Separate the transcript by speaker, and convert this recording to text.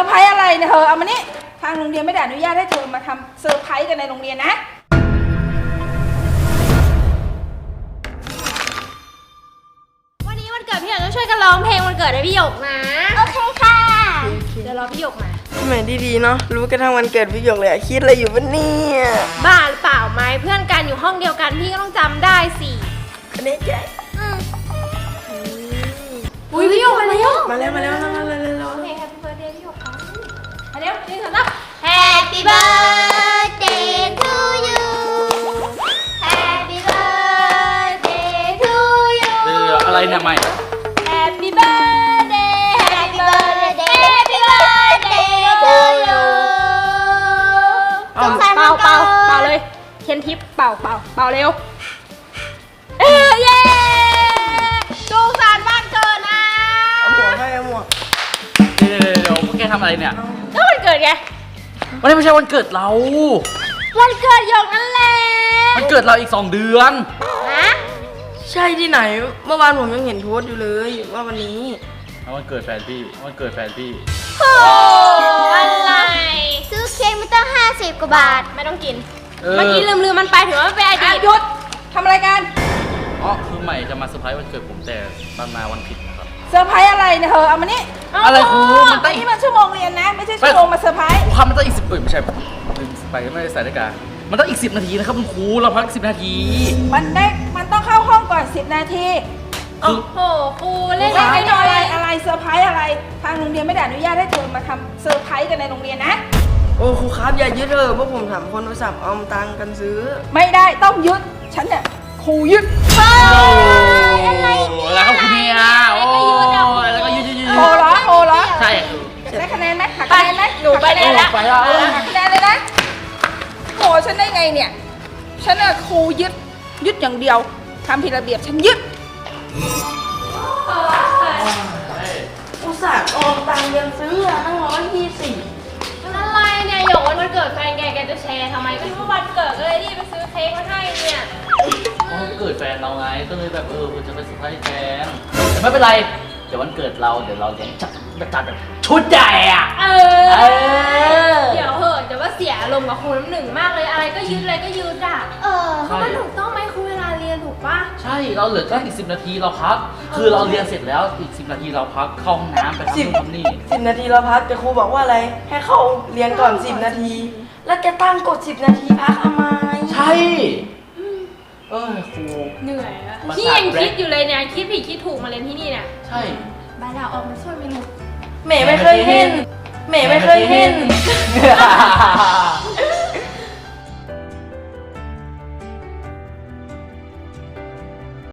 Speaker 1: ร์ไพรส์อะไรเนี่ยเธอเอามานี่ทางโรงเรียนไม่ได้อนุญาตให้เธอมาทำเซอร์ไพรส์กันในโรงเรียนนะ
Speaker 2: วันนี้วันเกิดพี่หยกต้องช่วยกันร้องเพลงวันเกิดให้พี่หยกนะโอเคค่ะเดี๋ยวรอพี่หยกมา
Speaker 3: แหมดีๆเนาะรู้กันทั้งวันเกิดพี่หยกเลยอะคิดอะไรอยู่วะเนี่ย
Speaker 2: บ้าหรือเปล่าไหมเพื่อนกันอยู่ห้องเดียวกันพี่ก็ต้องจำได้สิ
Speaker 3: อันนี้แก
Speaker 2: อุ้ยพี่หยกมาแล้ว
Speaker 3: มาแล้ว
Speaker 2: โอเค Happy Birthday พี่หยกครับมาเร็วนี่เถอะนะ Happy Birthday to you Happy Birthday to you
Speaker 4: อะไรเนี่ยใหม่
Speaker 2: Happy Birthday Happy Birthday Happy Birthday to you เป่าเลยเคนทิปเป่าเร็วเย้สุขสันต์วันเกิดนะ
Speaker 3: เอาหมวกให้เอาหมวก
Speaker 4: เดี๋ยวพวกแกทำอะไรเนี่ย
Speaker 2: ก็วันเกิดไง
Speaker 4: วันนี้ไม่ใช่วันเกิดเรา
Speaker 2: วันเกิดหยกนั่นแหละ
Speaker 4: วันเกิดเราอีก2 เดือน
Speaker 2: ฮะ
Speaker 3: ใช่ที่ไหนเมื่อวานผมยังเห็นโพสต์อยู่เลยว่าวันนี้
Speaker 4: วันเกิดแฟนพี่
Speaker 2: โอ้อะไรซื้อเค้กไม่ต้อง50 กว่าบาทไม่ต้องกินเมื่อกี้ลืมมันไปถือว่าเป็นอดีต
Speaker 1: หยุดทำอะไรกัน
Speaker 4: คือใหม่จะมาเซอร์ไพรส์วันเกิดผมแต่ดันมาวันผิดนะครับ
Speaker 1: เซอร์ไพรส์อะไรเนี่ยเธอเอามานี่
Speaker 4: อะไรครู
Speaker 1: มันนี่มันชั่วโมงเรียนนะไม่ใช่ชั่วโมงมาเซอร์ไพรส์
Speaker 4: ครูครับมันต้องอีก10ไม่ใช่ลืมไปไม่ได้ใส่นาฬิกามันต้องอีก10 นาทีนะครับคุณครูเราพัก10 นาที
Speaker 1: มันต้องเข้าห้องก่อน10 นาที
Speaker 2: โอ้โหครูเล่น
Speaker 1: อะไรเซอร์ไพรส์อะไรทางโรงเรียนไม่ได้อนุญาตให้เธอมาทำเซอร์ไพรส์กันในโรงเรียนนะ
Speaker 3: โอ้ครูครับอย่ายึดพวกผมถามคนโทรศัพท์เอาตังค์กันซื้อ
Speaker 1: ไม่ได้ต้องยึดฉันเนี่ยครูยึด
Speaker 2: อะไร
Speaker 4: แล้วครับคุณเนี่ยโอ้แล้วก็ยืด
Speaker 1: โหเหรอ
Speaker 4: ใช่
Speaker 1: ได้คะแนนไหมหักคะแนนไหม
Speaker 2: หนูไปได้แล้ว
Speaker 1: หักคะแนนเลยนะโหฉันได้ไงเนี่ยฉันน่ะครูยึดอย่างเดียวทำผิดระเบียบฉันยึด
Speaker 3: อุตส่าห์ออมตังค์เรียนซื้อตั้ง120
Speaker 2: มันอะไรเนี่ยหยกวันเกิดแฟนแกจะแชร์ทำไมก็รู้ว่าวันเกิดก็เลยรีบไปซื้อเค้กมาให้เนี่ย
Speaker 4: วันเกิดแฟนเราไงก็เลยแบบจะไปเซอร์ไพรส์แฟนแต่ไม่เป็นไรเดี๋ยววันเกิดเราเดี๋ยวเราจะจัดแบบชุดใหญ่อะ
Speaker 2: เดี๋ยวเหอะแต่ว่าเสียอารมณ์กับครูน้ำหนึ่งมากเลยอะไรก็ยืดอ่ะเขามันถูกต้องไหมครูเวลาเรียนถูกปะ
Speaker 4: ใช่เราเหลือแค่อีก10 นาทีเราพักคือเราเรียนเสร็จแล้วอีก10 นาทีเราพักเข้าห้องน้ำไปทำนี่
Speaker 3: 10 นาทีเราพักแต่ครูบอกว่าอะไรให้เข้าเรียนก่อน10 นาทีแล้วแกตั้งกด10 นาทีพักทำไม
Speaker 4: ใช่ครู
Speaker 2: เหนื่อยอะพี่ยังคิดอยู่เลยเนี่ยคิดผิดคิดถูกมาเรียนที่นี่เนี่ย
Speaker 4: ใช่
Speaker 2: บายดาวออกมาช่วยไม่รู้
Speaker 3: เมย์ไม่เคยเห็น